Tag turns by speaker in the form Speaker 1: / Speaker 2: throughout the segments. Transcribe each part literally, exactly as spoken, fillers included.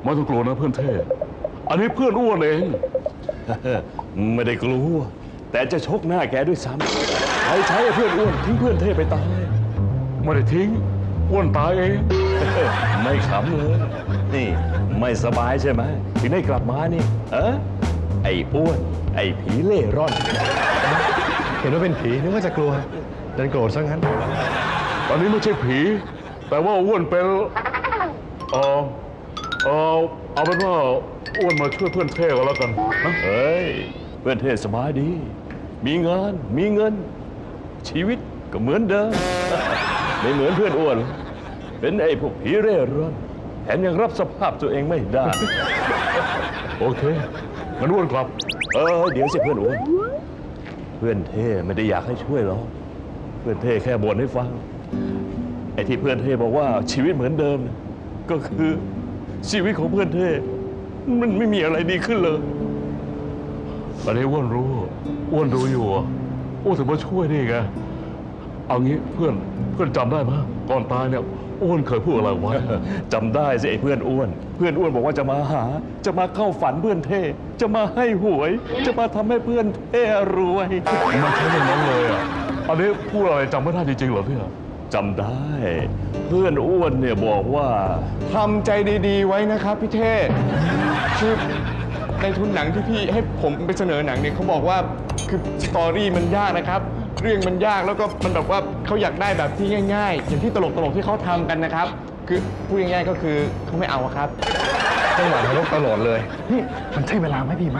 Speaker 1: ไม่ต้องกลัวนะเพื่อนเท่อันนี้เพื่อนอ้วนเอง
Speaker 2: ไม่ได้กลัวแต่จะชกหน้าแกด้วยซ้ำใครใช้ให้เพื่อนอ้วนทิ้งเพื่อนเท่ไปตาย
Speaker 1: ไม่ได้ทิ้งอ้วนตายเอง
Speaker 2: ไม่ขำเลย นี่ไม่สบายใช่ไหมถึงได้กลับมานี่ เออไอ้อ้วน ไอ้ผีเล่ร่อน
Speaker 3: เห็นว่าเป็นผีนึกว่าจะกลัวดันโกรธซะงั้น
Speaker 1: ตอนนี้ไม่ใช่ผี แต่ว่าอ้วนเป็นเออเออเอาเป็นว่าอ้วนมาช่วยเพื่อนเท่ก็แล้วกันนะ
Speaker 2: เฮ้ย เพื่อนเท่สบายดี มีงาน มีเงิน ชีวิตก็เหมือนเดิม ไม่เหมือนเพื่อนอ้วน เป็นไอ้พวกผีเร่ร่อนแถมยังรับสภาพตัวเองไม่ได้
Speaker 1: โอเคงั้นอ้วนกลับ
Speaker 2: เออเดี๋ยวสิเพื่อนอ้วนเพื่อนเท่ไม่ได้อยากให้ช่วยหรอกเพื่อนเท่แค่บ่นให้ฟังไอ้ที่เพื่อนเท่บอกว่าชีวิตเหมือนเดิมเนี่ยก็คือชีวิตของเพื่อนเท่มันไม่มีอะไรดีขึ้นเลย
Speaker 1: อันนี้อ้วนรู้อ้วนรู้อยู่อ่ะอ้วนถึงมาช่วยนี่ไงเอางี้เพื่อนเพื่อนจำได้ไหมก่อนตายเนี่ยอ้วนเคยพูดอะไรไว้
Speaker 2: จำได้สิไอ้เพื่อนอ้วน เพื่อนอ้วนบอกว่าจะมาหา จะมาเข้าฝันเพื่อนเท่จะมาให้หวย จะมาทำให้เพื่อนเท่รวย
Speaker 1: มันใช่อย่างนั้นเลยอ่ะอันนี้พูดอะไรจำไม่ได้จริงๆเหรอพี่อ่ะ
Speaker 2: จำได้ เพื่อนอ้วนเนี่ยบอกว่า
Speaker 4: ทำใจดีๆไว้นะครับพี่เท่คือในทุนหนังที่พี่ให้ผมไปเสนอหนังเนี่ยเขาบอกว่าคือสตอรี่มันยากนะครับ เรื่องมันยากแล้วก็มันแบบว่าเขาอยากได้แบบที่ง่าย ๆ อย่างที่ตลกๆที่เขาทำกันนะครับ คือพูดง่ายๆก็คือเขาไม่เอาอะครับ
Speaker 3: จังหวะนรกตลอดเลย นี่มันใช่เวลาไหมพี่มะ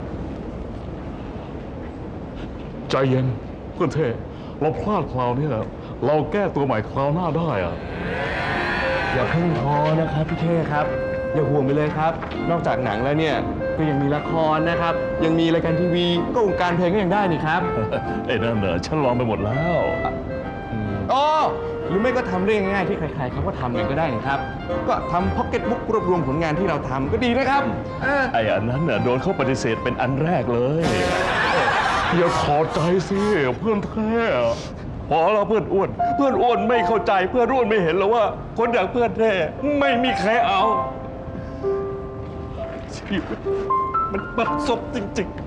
Speaker 1: ใจเย็นเพื่อนเท่เราพลาดคราวนี้อะเราแก้ตัวใหม่คราวหน้าได้อ่ะ
Speaker 4: อย่าเพิ่งท้อนะครับพี่เท่ครับ อย่าห่วงไปเลยครับ นอกจากหนังแล้วเนี่ยก็ยังมีละครนะครับ ยังมีรายการทีวีก็วงการเพลงก็ยังได้นี่ครับ
Speaker 2: ไอ้นั่นเหรอฉันลองไปหมดแล้ว
Speaker 4: อ๋อหรือไม่ก็ทำเรื่องง่ายๆที่ใครๆเขาก็ทำกันก็ได้นะครับ ก็ทำพ็อกเก็ตบุ๊กรวบรวมผลงานที่เราทำก็ดีนะครับเออ
Speaker 2: ไอ้อันนั้นน่ะโดนเขาปฏิเสธเป็นอันแรกเลย
Speaker 1: อย่าถอดใจสิเพื่อนเท่
Speaker 2: พอเราเพื่อนอ้วน เพื่อนอ้วนไม่เข้าใจเพื่อนอ้วนไม่เห็นแล้วว่า คนอย่างเพื่อนแท้ไม่มีใครเอาชีวิตมันบัดซบจริง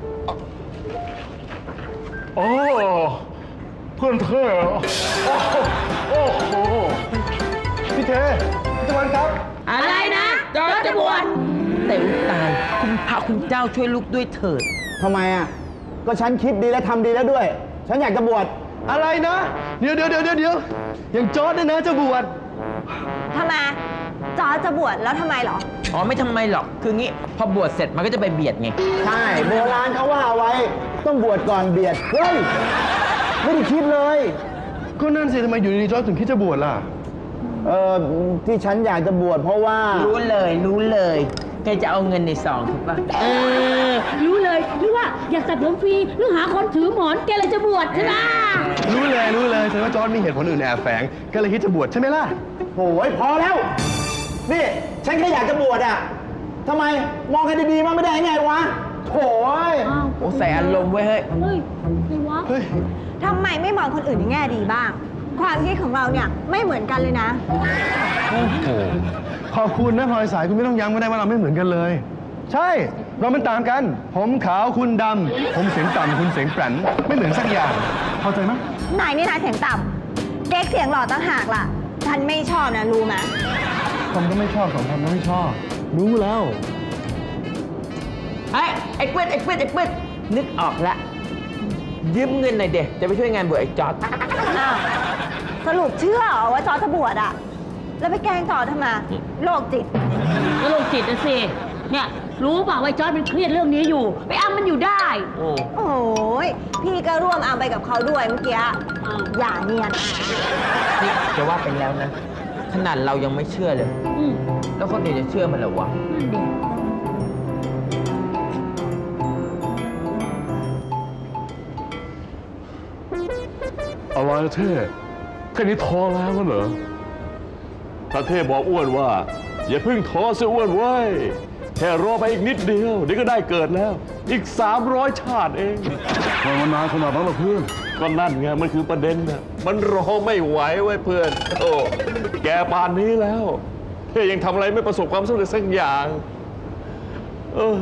Speaker 1: อ๋อเพื่อนเท่โอ้โห
Speaker 4: พี่เทพี่ตะวันครับ
Speaker 5: อะไรนะจอจะบวชแต่อุตายคุณพระคุณเจ้าช่วยลูกด้วยเถิด
Speaker 6: ทำไมอ่ะ ก็ฉันคิดดีและทำดีแล้วด้วย ฉันอยากจะบวช
Speaker 3: อะไรนะ เดี๋ยวเดี๋ยวเดี๋ยวเดี๋ยวอย่างจอร์ดเนี่ยนะจะบวช
Speaker 7: ทำไมจอร์จจะบวชแล้วทำไมเหรอ
Speaker 5: อ๋อไม่ทำไมหรอก คืองี้พอบวชเสร็จมันก็จะไปเบียดไง
Speaker 6: ใช่โบราณเขาว่าเอาไว้ ต้องบวชก่อนเบียด เฮ้ย ไม่ได้คิดเลย
Speaker 3: ก็นั่นสิทำไมอยู่ดีๆจอร์ดถึงคิดจะบวชล่ะ
Speaker 6: เออที่ฉันอยากจะบวชเพราะว่า
Speaker 5: รู้เลยรู้เลยแกจะเอาเงินในซองถูกปะ
Speaker 8: เออ รู้เลยหรือว่าอยากตัดผมฟรีหรือหาคนถือหมอนแกเลยจะบวชใช่ไหม
Speaker 3: รู้เลยรู้เลยแสดงว่าจอร์ดมีเหตุผลอื่นแอบแฝงก็เลยคิดจะบวชใช่ไหมล่ะ
Speaker 6: โอ้ยพอแล้ว นี่ ฉันแค่อยากจะบวชอ่ะทำไม มองกันดีๆมันไม่ได้ไงวะโถ่ย
Speaker 8: อ้าว
Speaker 5: โอ้ใส่อารมณ์ไว้เฮ้ย
Speaker 8: เฮ้ยใครวะ
Speaker 7: ทำไมไม่มองคนอื่นในแง่ดีบ้าง ความคิดของเราเนี่ยไม่เหมือนกันเลยนะ
Speaker 3: โอ้โห ขอบคุณนะพลอยสายคุณไม่ต้องย้ำก็ได้ว่าเราไม่เหมือนกันเลย ใช่ เรามันต่างกัน ผมขาวคุณดำ ผมเสียงต่ำคุณเสียงแปรนไม่เหมือนสักอย่าง เข้าใจไหม
Speaker 7: นายนี่นายเสียงต่ำเก๊กเสียงหล่อต่างหากล่ะ ฉันไม่ชอบนะรู้ไหม
Speaker 3: ผมก็ไม่ชอบสองคนก็ไม่ชอบ รู้แล้ว
Speaker 5: ไอ้ไอ้เปิ้ลไอ้เปิ้ลไอ้เปิ้ลนึกออกละยืมเงินหน่อยเด็จะไปช่วยงานบวชไอ้จอร์ด
Speaker 7: อ้าวสรุปเชื่อเหรอว่าจอร์จจะบวชอะแล้วไปแกล้งจอร์จทำไมโรคจิต
Speaker 8: ก็โรคจิตนะสิ เนี่ย รู้เปล่าว่าไอ้จอร์จมันเครียดเรื่องนี้อยู่ ไปอ้ำมันอยู่ได้
Speaker 5: โอ้
Speaker 7: โอ้ยพี่ก็ร่วมเอาไปกับเขาด้วยเมื่อกี้อย่าเนียน
Speaker 5: นี่จะว่าเป็นแล้วนะ ขนาดเรายังไม่เชื่อเลย
Speaker 8: อืม
Speaker 5: แล้วคนอื่นจะเชื่อมันเหรอวะ
Speaker 8: นั่นดิ
Speaker 1: อะไรเท่แค่นี้ท้อแล้วเหรอ
Speaker 2: พระเทพบอกอ้วนว่า อย่าเพิ่งท้อเสียอ้วนเว้ยแค่รอไปอีกนิดเดียวเดี๋ยวก็ได้เกิดแล้ว อีกสามร้อยชาติเอง
Speaker 1: ทำไมมันนานขนาดนั้นล่ะเพื่อน
Speaker 2: ก็นั่นไงมันคือประเด็นนะมันรอไม่ไหวเว้ยเพื่อนโอ้แกป่านนี้แล้ว ถเท่ยังทำอะไรไม่ประสบความสำเร็จสักอย่าง เออ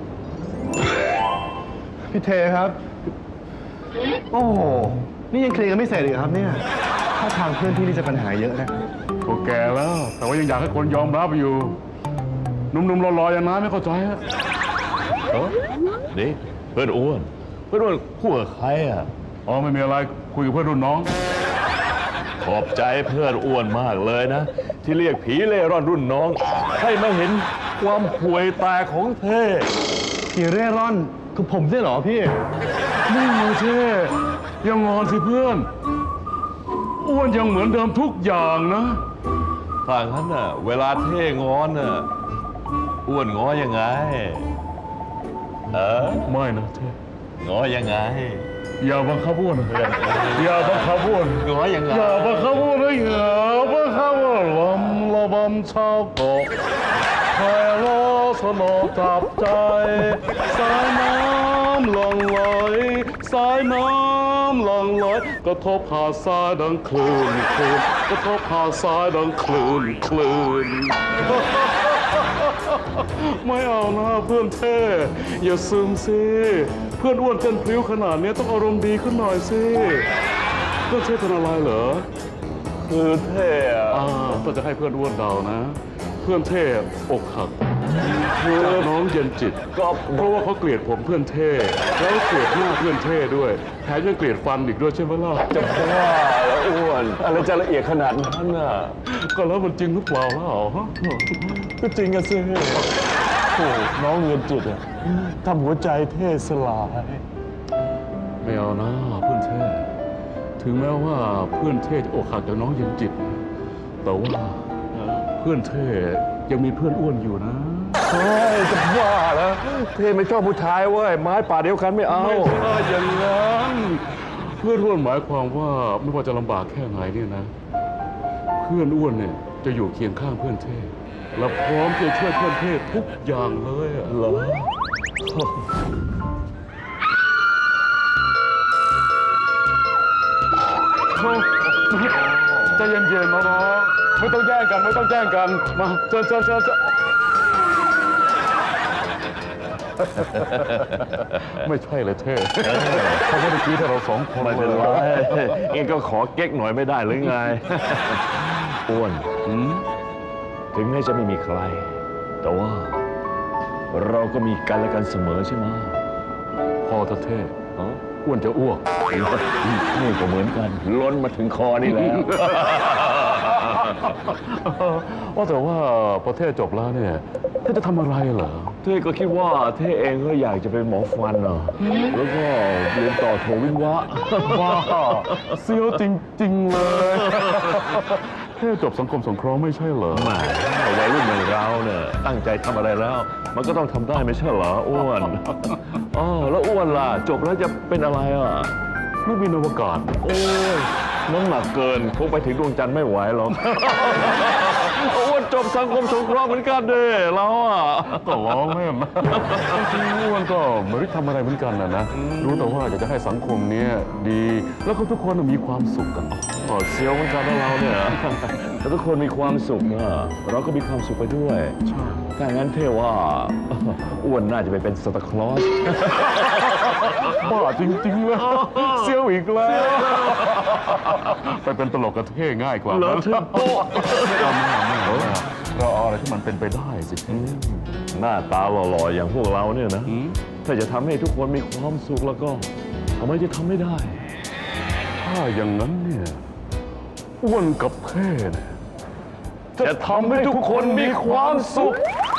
Speaker 3: พี่เทครับ โอ้โห นี่ยังเคลียร์กันไม่เสร็จอีกเหรอครับเนี่ยถ้าทางเพื่อนพี่นี่จะปัญหาเยอะนะ
Speaker 1: ก็แก่แล้ว แต่ว่ายังอยากให้คนยอมรับอยู่หนุ่มๆรอๆอย่างนั้นไม่เข้าใจฮะ
Speaker 2: เอ้อนี่เพื่อนอ้วน เพื่อนอ้วนคู่กับใครอ่ะ
Speaker 1: อ๋อไม่มีอะไรคุยกับเพื่อนรุ่นน้อง
Speaker 2: ขอบใจเพื่อนอ้วนมากเลยนะ ที่เรียกผีเล่ร่อนรุ่นน้อง ให้มาเห็นความห่วยแตกของเท่
Speaker 3: พี่เร่ร่อนคือผมใช่เหรอพี่
Speaker 1: นี่ไงเท่ยังงอนสิเพื่อน อ้วนยังเหมือนเดิมทุกอย่างนะ
Speaker 2: ถ้างั้นน่ะ เวลาเท่งอนน่ะอ้วนง้อยังไง เออ
Speaker 1: ไม่นะเท่
Speaker 2: ง้อยังไง
Speaker 1: อย่าบังคับอ้วนนะอย่าบังคับอ้วน
Speaker 2: ง้อยังไง
Speaker 1: อย่าบังคับอ้วนนะอย่าบังคับอ้วนลำละบำชาวเกาะใครล้อสนอจับใจ สายน้ำหลั่งไหลสายน้ำหลั่งไหลกระทบหาดทรายดังคลื่นคลื่นกระทบหาดทรายดังคลื่นคลื่น ไม่เอานะเพื่อนเท่อย่าซึมสิเพื่อนอ้วนเต้นพลิ้วขนาดนี้ต้องอารมณ์ดีขึ้นหน่อยสิเพื่อนเท่เป็นอะไรเหรอ
Speaker 2: คือเท่อะ
Speaker 1: อ่าต้องจะให้เพื่อนอ้วนเดานะ เพื่อนเท่อกหักจากน้องเย็นจิตก็เพราะว่าเขาเกลียดผมเพื่อนเท่แล้วเกลียดหน้าเพื่อนเท่ด้วยแถมยังเกลียดฟันอีกด้วยใช่ไหมล่ะ
Speaker 2: จะบ้าแล้วอ้วน อะไรจะละเอียดขนาดนั้นน่ะ
Speaker 1: ก็แล้วมันจริงหรือเปล่าล่ะฮะ
Speaker 2: ก็จริงอะสิโอ้น้องเงินจิตอะทำหัวใจเท่สลาย
Speaker 1: ไม่เอานะเพื่อนเท่ถึงแม้ว่าเพื่อนเท่จะอกหักจากน้องเย็นจิต แต่ว่าเพื่อนเท่ยังมีเพื่อนอ้วนอยู่นะ
Speaker 2: เฮ้ยจะบ้าแล้วเท่ไม่ชอบผู้ชายเว้ยไม้ป่าเดียวกันไม่เอา
Speaker 1: ไม่ใช่อย่างนั้นเพื่อนอ้วนหมายความว่าไม่ว่าจะลำบากแค่ไหนเนี่ยนะ เพื่อนอ้วนเนี่ยจะอยู่เคียงข้างเพื่อนเท่และพร้อมจะช่วยเพื่อนเท่ทุกอย่างเลยอะ
Speaker 2: เหรอ
Speaker 1: ใจเย็นๆน้องๆไม่ต้องแย่งกันไม่ต้องแย่งกันมาเชิญเชิญเชิญเชิญไม่ใช่เลยเท่เขาไม่ได้คิดให้เราสองคน
Speaker 2: ไม่เป็นไร
Speaker 1: เลย
Speaker 2: เองก็ขอเก๊กหน่อยไม่ได้หรือไง อ้วน
Speaker 1: หืม
Speaker 2: ถึงแม้จะไม่มีใคร แต่ว่า เราก็มีกันและกันเสมอใช่ไหม
Speaker 1: พอเถอะเท่
Speaker 2: ฮะ
Speaker 1: อ้วนจะอ้วก
Speaker 2: นี่ก็เหมือนกัน ล้นมาถึงคอนี่แล้ว
Speaker 1: ว่าแต่ว่าพอเท่จบแล้วเนี่ยเท่จะทำอะไรเหรอ
Speaker 2: เท่ก็คิดว่าเท่เองก็อยากจะเป็นหมอฟันเนาะแล้วก็เรียนต่อโทวิศวะ
Speaker 1: ว้าเซียวจริง ๆ เลย เท่จบสังคมสงเคราะห์ไม่ใช่เหรอ
Speaker 2: แหมวัยรุ่นอย่างเราเนี่ยตั้งใจทำอะไรแล้ว มันก็ต้องทำได้ไม่ใช่เหรออ้วนอ๋อแล้วอ้วนล่ะ จบแล้วจะเป็นอะไรอ่ะ
Speaker 1: นักบินอวกาศ
Speaker 2: โอ้ยน้ำหนักเกินคงไปถึงดวงจันทร์ไม่ไหวหรอก อ้วนจบสังคมสงเคราะห์เหมือนกันเด้เราอ่ะ
Speaker 1: ก็ล้อเล่นนะจริงๆอ้วนก็ไม่ได้ทำอะไรเหมือนกันนะนะ รู้แต่ว่าอยากจะให้สังคมเนี้ยดี แล้วก็ทุกคนน่ะมีความสุขกัน
Speaker 2: อ๋อเซียวเหมือนกันนะเราเนี่ย แต่ทุกคนมีความสุขนะเราก็มีความสุขไปด้วย
Speaker 1: ใช่
Speaker 2: ถ้างั้นเท่ว่า อ้วนน่าจะไปเป็นซานตาคลอส
Speaker 1: บ้าจริงๆเลยเซียวอีกแล้ว ไปเป็นตลกกระเท่ง่ายกว่า
Speaker 2: เหรอ
Speaker 1: นะ
Speaker 2: ถึงโป๊ะ
Speaker 1: เอาไม่เอาไม่เอาเราเอาอะไรที่มันเป็นไปได้สิ
Speaker 2: หน้าตาหล่อๆอย่างพวกเราเนี่ยนะ
Speaker 1: อืม
Speaker 2: ถ้าจะทำให้ทุกคนมีความสุขแล้วก็ทำไมจะทำไม่ได้
Speaker 1: ถ้าอย่างนั้นเนี่ยอ้วนกับเท่เนี่ย
Speaker 2: จะทำให้ทุกคนมีความสุข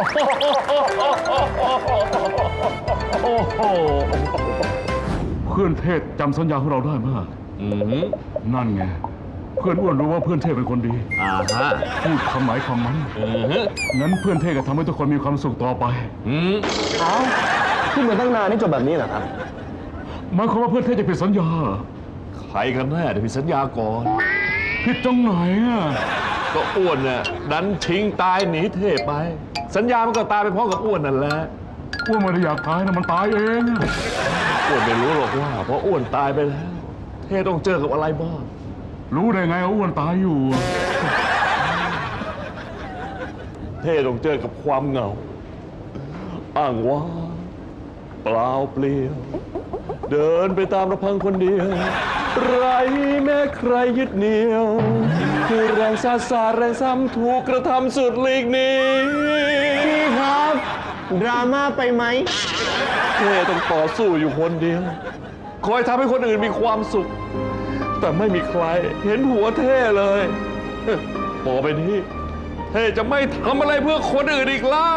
Speaker 1: โอ้โหเพื่อนเทศจำสัญญาของเราได้มาก
Speaker 2: อืม
Speaker 1: นั่นไง เพื่อนอ้วนรู้ว่าเพื่อนเทศเป็นคนดี
Speaker 2: อ่าฮะ
Speaker 1: พูดคำไหนคำนั้น
Speaker 2: อืม
Speaker 1: งั้นเพื่อนเทศก็ทำให้ทุกคนมีความสุขต่อไป
Speaker 2: อืม
Speaker 3: เอ้าขึ้นมาตั้งนานนี่จบแบบนี้เหรอครับ
Speaker 1: หมายความว่าเพื่อนเทศจะผิดสัญญาเหรอ
Speaker 2: ใครกันแน่ที่ผิดสัญญาก่อน
Speaker 1: ผิดตรงไหนอ่ะ
Speaker 2: ก็อ้วนน่ะดันทิ้งตายหนีเทพไป สัญญามันก็ตายไปพร้อมกับอ้วนนั่นแหละ
Speaker 1: อ้วนไม่ได้อยากตายนะมันตายเองอะ
Speaker 2: อ้วนไม่รู้หรอกว่าเพราะอ้วนตายไปแล้ว เทต้องเจอกับอะไรบ้าง
Speaker 1: รู้ได้ไงว่าอ้วนตายอยู่อะ
Speaker 2: เท่ต้องเจอกับความเหงา อ้างว้างเปล่าเปลี่ยว เดินไปตามลำพังคนเดียว ไรแม้ใครยึดเหนี่ยว คือแรงซาซาแรงซ้ำถูกกระทำสุดหลีกหนีพี่ครับ
Speaker 3: ดราม่าไปไหม
Speaker 2: เท่ต้องต่อสู้อยู่คนเดียว คอยทำให้คนอื่นมีความสุข แต่ไม่มีใครเห็นหัวเท่เลยต่อไปนี้ เท่จะไม่ทำอะไรเพื่อคนอื่นอีกแล้ว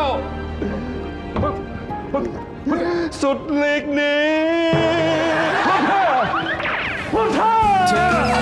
Speaker 2: สุดหลีกหนีพ่อเท่พ่อเท่